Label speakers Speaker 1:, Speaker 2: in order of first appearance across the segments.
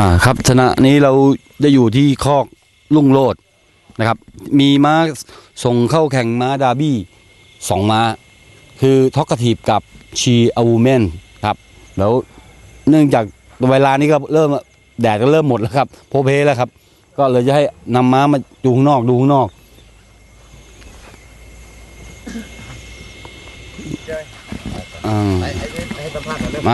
Speaker 1: ครับชนะนี้เราจะอยู่ที่คอกลุ่งโลดนะครับมีม้าส่งเข้าแข่งม้าดาร์บี้2 ม้าคือท็อกกาทีฟกับชีอาวูเมนครับแล้วเนื่องจากเวลานี้ก็เริ่มแดดก็เริ่มหมดแล้วครับโพเพแล้วครับก็เลยจะให้นำม้ามาดูข้างนอกมา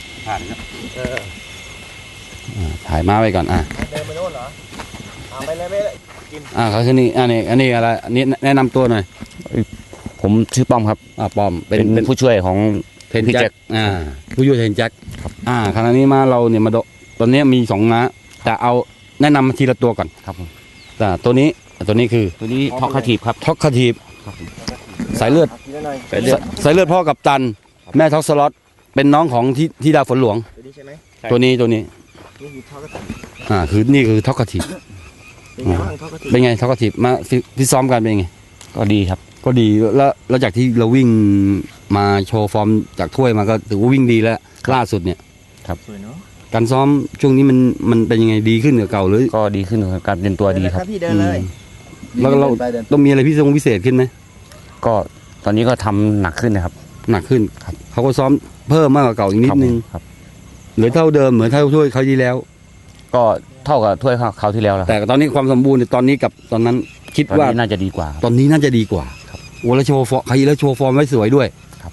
Speaker 1: ถ่ายม้าไว้ก่อน
Speaker 2: เดินไปโน่นเหรอไปเลยไม่กิน
Speaker 1: เขาคือนี่อันนี้อะไรอันนี้แนะนำตัวหน่อย
Speaker 3: ผมชื่อป้อมครับ
Speaker 1: ป้อม
Speaker 3: เป็นผู้ช่วยของ
Speaker 1: เทนแจ็คผู้ช่วยเทนแจ็คครับขณะนี้มาเราเนี่ยมาตอนนี้มี2 ม้าแต่เอาแนะนำทีละตัวก่อน
Speaker 3: ครับผม
Speaker 1: ตัวนี้คือ
Speaker 3: ตัวนี้ท็อกคาทีฟครับ
Speaker 1: ท็อกคาทีฟสายเลือดพ่อกับตันแม่ท็อกสล็อตเป็นน้องของที่ดาวฝนหลวง
Speaker 2: ตัวนี้ใช่ไหม
Speaker 1: ตัวนี้
Speaker 2: นี่คือท็อกคาทีฟ
Speaker 1: นี่คือท็อกคาทีฟเป็นไงท็อกคาทีฟมาฟิตซ้อมกันเป็นไง
Speaker 3: ก็ดีครับ
Speaker 1: ก็ดีแล้วจากที่เราวิ่งมาโชว์ฟอร์มจากถ้วยมาก็ถือว่าวิ่งดีแล้วล่าสุดเนี่ย
Speaker 3: ครับ
Speaker 1: การซ้อมช่วงนี้มันเป็นยังไงดีขึ้นกว่าเก่าหรือ
Speaker 3: ก็ดีขึ้นการเตรียมตัวดีครับ
Speaker 2: พี่เดินเลย
Speaker 1: แล้วเราต้องมีอะไรพิเศษขึ้นไหม
Speaker 3: ก็ตอนนี้ก็ทำหนักขึ้นนะครับ
Speaker 1: หนักขึ้นครับเขาก็ซ้อมเพิ่มมากกว่าเก่าอีกนิดนึง
Speaker 3: ครับ
Speaker 1: เหลือเท่าเดิมเหมือนเท่าถ้วยเขาที่แล้ว
Speaker 3: ก็เท่ากับถ้วยเขาที่แล้วแล้ว
Speaker 1: แต่ตอนนี้ความสมบูรณ์ตอนนี้กับตอนนั้นคิดว่า
Speaker 3: น่าจะดีกว่า
Speaker 1: ตอนนี้น่าจะดีกว่า
Speaker 3: ครับ
Speaker 1: โอ้แล้วโชว์ฟอร์มใครแล้วโชว์ฟอร์มไว้สวยด้วย
Speaker 3: ครับ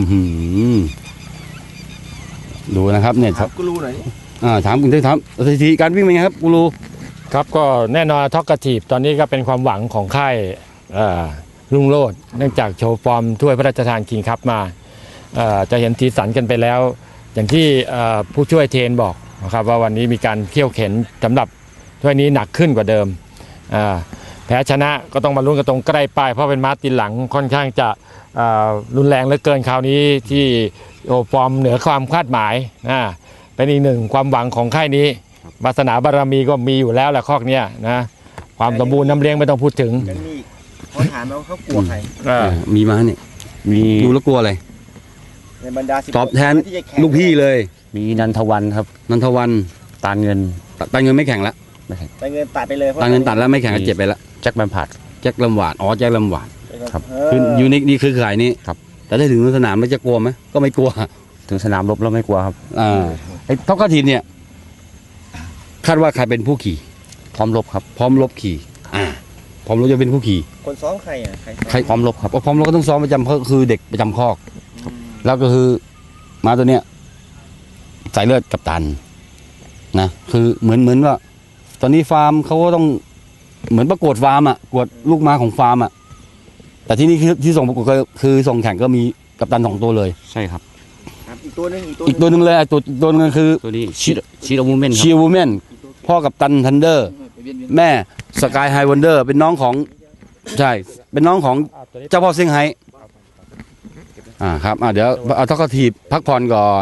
Speaker 1: ดูนะครับเนี่ย
Speaker 2: ครับกูรู้หน่อย
Speaker 1: ถามคุณได้ถามสถิติการวิ่งเป็นไงครับกูรู้
Speaker 4: ครับก็แน่นอนท็อกกาทีฟตอนนี้ก็เป็นความหวังของค่ายรุ่งโรจน์เนื่องจากโชว์ฟอร์มถ้วยพระราชทานคิงคัพมาจะเห็นสีสันกันไปแล้วอย่างที่ผู้ช่วยเทนบอกนะครับว่าวันนี้มีการเขี่ยวเข็นสำหรับถ้วยนี้หนักขึ้นกว่าเดิมแพ้ชนะก็ต้องมาลุ้นกันตรงใกล้ป้ายเพราะเป็นม้าตีนหลังค่อนข้างจะรุนแรงเหลือเกินคราวนี้ที่โอฟอร์มเหนือความคาดหมายเป็นอีกหนึ่งความหวังของค่ายนี้วาสนาบารมีก็มีอยู่แล้วแหละคอกเนี้ยนะความสมบูรณ์น้ำเลี้ยงไม่ต้องพูดถึง
Speaker 2: เขาถามว่าเขากลัวใคร
Speaker 1: มีม้าเนี่ย
Speaker 3: มี
Speaker 1: ดูแล้วกลัวอะไร
Speaker 2: ในบรรดา
Speaker 1: ตอบแทนลูกพี่เลย
Speaker 3: มีนันทวันครับ
Speaker 1: นันทวัน
Speaker 3: ตาเงิน
Speaker 1: ไม่แข่งแล้ว
Speaker 2: ตาเงินตัดไปเลย
Speaker 1: ตาเงินตัดแล้วไม่แข่งเจ็บไปแล้ว
Speaker 3: แจ็คแบมพาร์ด
Speaker 1: แจ็คลำหวานแจ็คลำหวาน
Speaker 3: ครับ
Speaker 1: คือยูนิคนี่คือขายนี้
Speaker 3: ครับ
Speaker 1: แต่ได้ถึงสนามแล้วจะกลัวไหมก็ไม่กลัว
Speaker 3: ถึงสนามรบแล้วไม่กลัวครับ
Speaker 1: ไอ้ท็อกกาทีฟเนี่ยคาดว่าใครเป็นผู้ขี่
Speaker 3: พร้อมรบครับ
Speaker 1: พร้อมรบขี่พร้อมรบจะเป็นผู้ขี่
Speaker 2: คนซ้อมใคร
Speaker 1: ใครพร้อมรบครับพร้อมรบก็ต้องซ้อมประจำก็คือเด็กประจำคอกแล้วก็คือม้าตัวเนี้ยสายเลือดกัปตันนะคือเหมือนว่าตอนนี้ฟาร์มเขาก็ต้องเหมือนประกวดฟาร์มประกวดลูกม้าของฟาร์มแต่ที่นี่ที่ส่งประกวดก็คือส่งแข่งก็มีกัปตัน2 ตัวเลย
Speaker 3: ใช่ครับ
Speaker 2: อีกตัวนึง
Speaker 1: เลยตัวนึงคือ
Speaker 3: ตัวนี้ชีอาวูเมน
Speaker 1: ชีอาวูเมนพ่อกัปตันทันเดอร์แม่สกายไฮวันเดอร์เป็นน้องของใช่เป็นน้องของเจ้าพ่อเซี่ยงไฮ้ครับเดี๋ยวเอาท็อกกาทีฟพักผ่อนก่อน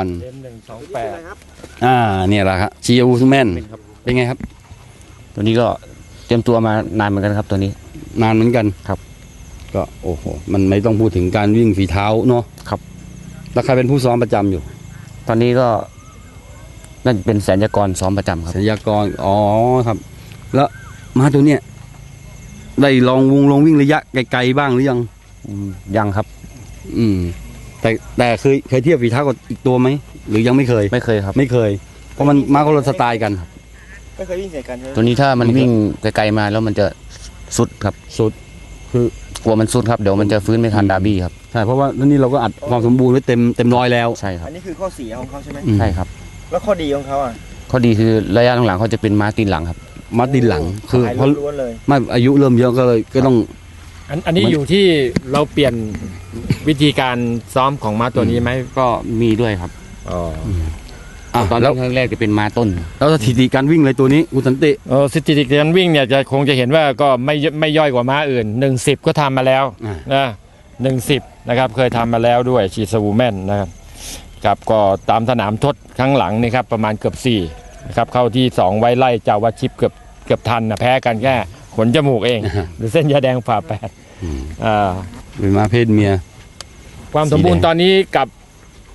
Speaker 1: เนี่ยแหละครับชีอาวูเมนเป็นไงครับ
Speaker 3: ตัวนี้ก็เตรียมตัวมานานเหมือนกันครับตัวนี้
Speaker 1: นานเหมือนกัน
Speaker 3: ครับ
Speaker 1: ก็โอ้โหมันไม่ต้องพูดถึงการวิ่งฝีเท้าเนาะ
Speaker 3: ครับ
Speaker 1: แล้วใครเป็นผู้ซ้อมประจำอยู่
Speaker 3: ตอนนี้ก็น่าจะเป็นแสนยากรซ้อมประจำครับ
Speaker 1: แสนยากรครับแล้วม้าตัวเนี้ยได้ลองวิ่งระยะไกลๆบ้างหรือ
Speaker 3: ยังครับ
Speaker 1: แต่เคยเทียบฝีเท้ากับอีกตัวไหมหรือยังไม่เคย
Speaker 3: ครับ
Speaker 1: ไม่เคยเพราะมันม้าคนละสไตล์กัน
Speaker 2: ไม่เคยวิ่งใส่กัน
Speaker 3: ตัวนี้ถ้ามันวิ่งไกลๆมาแล้วมันจะสุดครับ
Speaker 1: สุดคื
Speaker 3: อกลัวมันสุดครับเดี๋ยวมันจะฟื้นไม่ทันดาร์บี้ครับ
Speaker 1: ใช่เพราะว่านี่เราก็อัดความสมบูรณ์ไว้เต็มร้อยแล้ว
Speaker 3: ใช่ครับ
Speaker 2: อันนี้คือข้อเสียของเขาใช่ไหม
Speaker 3: ใช่ครับ
Speaker 2: แล้วข้อดีของเขา
Speaker 3: ข้อดีคือระยะหลังๆเขาจะเป็นม้าตีนหลังครับ
Speaker 1: ม้าตีนหลังคือ
Speaker 2: เพราะ
Speaker 1: ไม่อายุเริ่มเยอะก็ต้อง
Speaker 4: อันนี้อยู่ที่เราเปลี่ยนวิธีการซ้อมของม้าตัวนี้ไหม
Speaker 3: ก็มีด้วยครับตอนแรกจะเป็นม้าต้น
Speaker 1: แล้วสถิติการวิ่งเลยตัวนี้คุณสันติ
Speaker 4: สถิติการวิ่งเนี่ยจะคงจะเห็นว่าก็ไม่ย่อยกว่าม้าอื่น1:10ก็ทำมาแล้วนะ1:10นะครับเคยทำมาแล้วด้วยชีสวูแมนนะครับก็ตามสนามทดครั้งหลังนี่ครับประมาณเกือบ4นะครับเข้าที่2ไว้ไล่เจ้าวัดชิปเกือบทันแพ้กันแค่ขนจมูกเองหรือเส้นยาแดงผ่า8
Speaker 1: เป็นม้าเพศเมีย
Speaker 4: ความสมบูรณ์ตอนนี้กับ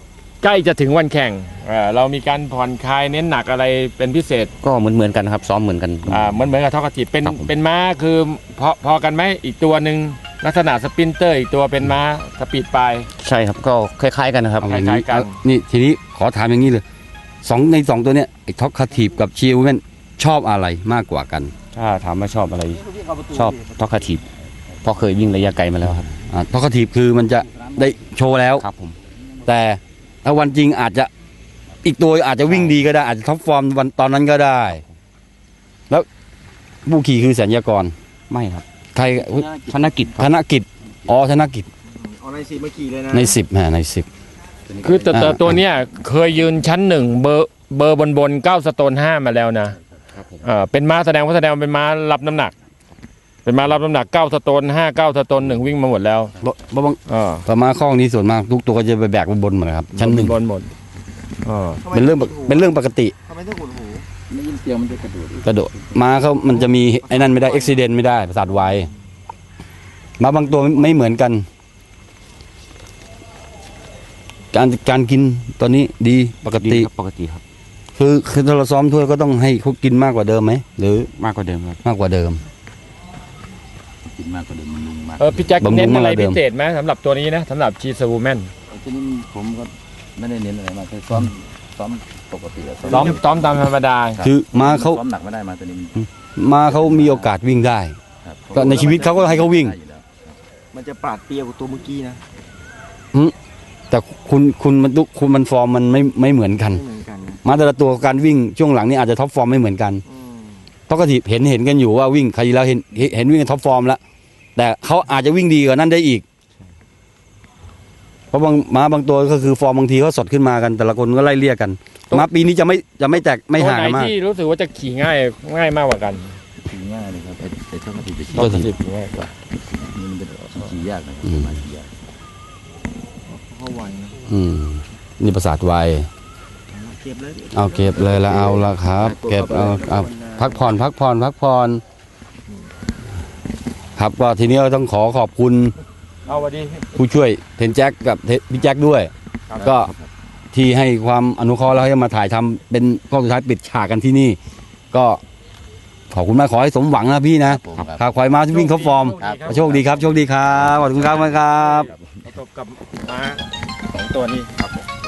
Speaker 4: ใกล้จะถึงวันแข่งเรามีการผ่อนคลายเน้นหนักอะไรเป็นพิเศษ
Speaker 3: ก็เหมือนกันครับซ้อมเหมือนกัน
Speaker 4: เหมือนกับท็อกทีฟเป็น
Speaker 3: ครับผม
Speaker 4: เป็นม้าคือพอกันไหมอีกตัวหนึ่งลักษณะสปรินเตอร์อีกตัวเป็นม้าสปีดปลาย
Speaker 3: ใช่ครับก็คล้ายๆกันนะครับ
Speaker 1: เอาอย่างนี้
Speaker 4: คล้ายๆกัน
Speaker 1: นี่ทีนี้ขอถามอย่างนี้เลยในสองตัวเนี้ยไอ้ท็อกคาทีฟกับชีวูแมนชอบอะไรมากกว่ากัน
Speaker 3: ถ้าถามว่าชอบอะไรชอบท็อกคาทีฟเพราะเคยวิ่งระยะไกลมาแล้วครับ
Speaker 1: ท็อกคาทีฟคือมันจะได้โชว์แล้ว
Speaker 3: ครับผม
Speaker 1: แต่ถ้าวันจริงอาจจะอีกตัวอาจจะวิ่งดีก็ได้อาจจะท็อปฟอร์มวันตอนนั้นก็ได้ แล้วผู้ขี่คือแสนยากร
Speaker 3: ไม่ครับ
Speaker 1: ใครอุ๊ย
Speaker 3: ธนกิจ
Speaker 1: ธนกิจอ๋อธนกิจ
Speaker 2: เอาใน10มาขี่เลยนะ
Speaker 1: ใน10ใน10
Speaker 4: คือแต่ตัวเนี้ยเคยยืนชั้นหนึ่งเบอร์บน9 สโตน 5มาแล้วนะครับ
Speaker 3: ผม
Speaker 4: เป็นม้าแสดงว่าเป็นม้ารับน้ำหนัก เป็นม้ารับน้ำหนัก9 สโตน 5 9 สโตน 1วิ่งมาหมดแล้ว
Speaker 1: บางประมาณข้องนี้ส่วนมากทุกตัวก็จะไปแบกบนหมดเลยครับชั้นหนึ่ง
Speaker 4: บนหมด
Speaker 2: ทำไม
Speaker 1: เป็นเรื่องปกติ
Speaker 2: ทำไมต้องขุดหู
Speaker 3: ได้ยินเสียงมันจะกระโดด
Speaker 1: กระโดดม้าเขามันจะมีไอ้นั่นไม่ได้อุบิเหตุไม่ได้ประสาทไวม้าบางตัวไม่เหมือนกัน การกินตอนนี้ดีปกติ
Speaker 3: ปกติครับ
Speaker 1: คือถ้าเราซ้อมถ้วยก็ต้องให้เขากินมากกว่าเดิมไหมหรือ
Speaker 3: มากกว่าเดิมครับ
Speaker 1: มากกว่าเดิม
Speaker 3: กินมากกว่าเดิมมันลุงมาก
Speaker 4: พี่แจ็ค
Speaker 1: บำรุง
Speaker 4: เน้นอะไร
Speaker 1: มาเดิ
Speaker 4: พิ
Speaker 1: ม
Speaker 4: เศษไหมสำหรับตัวนี้นะสำหรับชีสวูแมน
Speaker 5: ทีนี้ผมก็ไม่ได้เน้นอะไรมากคือซ้อมปกติอะ
Speaker 4: ซ้อมตามธรรมดา
Speaker 1: คือม้าเขา
Speaker 5: ซ้อมหนักไม่ได้มาตัวนี้
Speaker 1: ม้าเขามีโอกาสวิ่งได้
Speaker 5: ครับ
Speaker 1: ก็ในชีวิตเขาก็ให้เขาวิ่ง
Speaker 5: ได้อยู่แล้ว
Speaker 2: มันจะปราดเปรียวกว่าตัวเมื่อกี้นะ
Speaker 1: แต่คุณมันฟอร์มมันไม่เหมือนกัน
Speaker 2: ไม่เหมือนกันนะ
Speaker 1: ม้าแต่ละตัวการวิ่งช่วงหลังนี่อาจจะท็อปฟอร์มไม่เหมือนกัน
Speaker 2: อืม
Speaker 1: ต้องกระถิบเห็นกันอยู่ว่าวิ่งใครแล้วเห็นวิ่งท็อปฟอร์มแล้วแต่เขาอาจจะวิ่งดีกว่านั้นได้อีก เพราะม้าบางตัวก็คือฟอร์มบางทีเขาสดขึ้นมากัน แต่ละคนก็ไล่เลี่ยกันม้าปีนี้จะไม่แตกไม่
Speaker 4: ตัว
Speaker 1: ห่าง
Speaker 4: ไหน
Speaker 1: กันมาก
Speaker 4: ที่รู้สึกว่าจะขี่ง่ายมากกว่ากัน
Speaker 5: ขี่ง่ายเลยครับไอ้เท่ากับที่จะขี่
Speaker 1: ตัวที่
Speaker 4: ขี่ง่ายกว่า
Speaker 5: นี่มันจะขี่ยากนะครับมาขี่ยาก
Speaker 2: เขาไหวนะ
Speaker 1: นี่ประสาทไว
Speaker 2: เก็บเลย
Speaker 1: เอาเก็บเลยละเอาละครับ เก็บเอาพักผ่อนครับก็ทีนี้เราต้องขอบคุณ
Speaker 4: เอาวันดี
Speaker 1: ผู้ช่วยเทนแจ็คกับพี่แจ็คด้วย ก็ที่ให้ความอนุเคราะห์แล้วให้มาถ่ายทำเป็นกล้องสุดท้ายปิดฉากกันที่นี่ ก็ขอบคุณมากขอให้สมหวังนะพี่นะ
Speaker 5: ผม
Speaker 1: ขาควายม้าที่วิ่งเขาฟอร์ม โชคดีครับขอบคุณครับ
Speaker 4: ประสบกับม้า2 ตัวนี้ครับ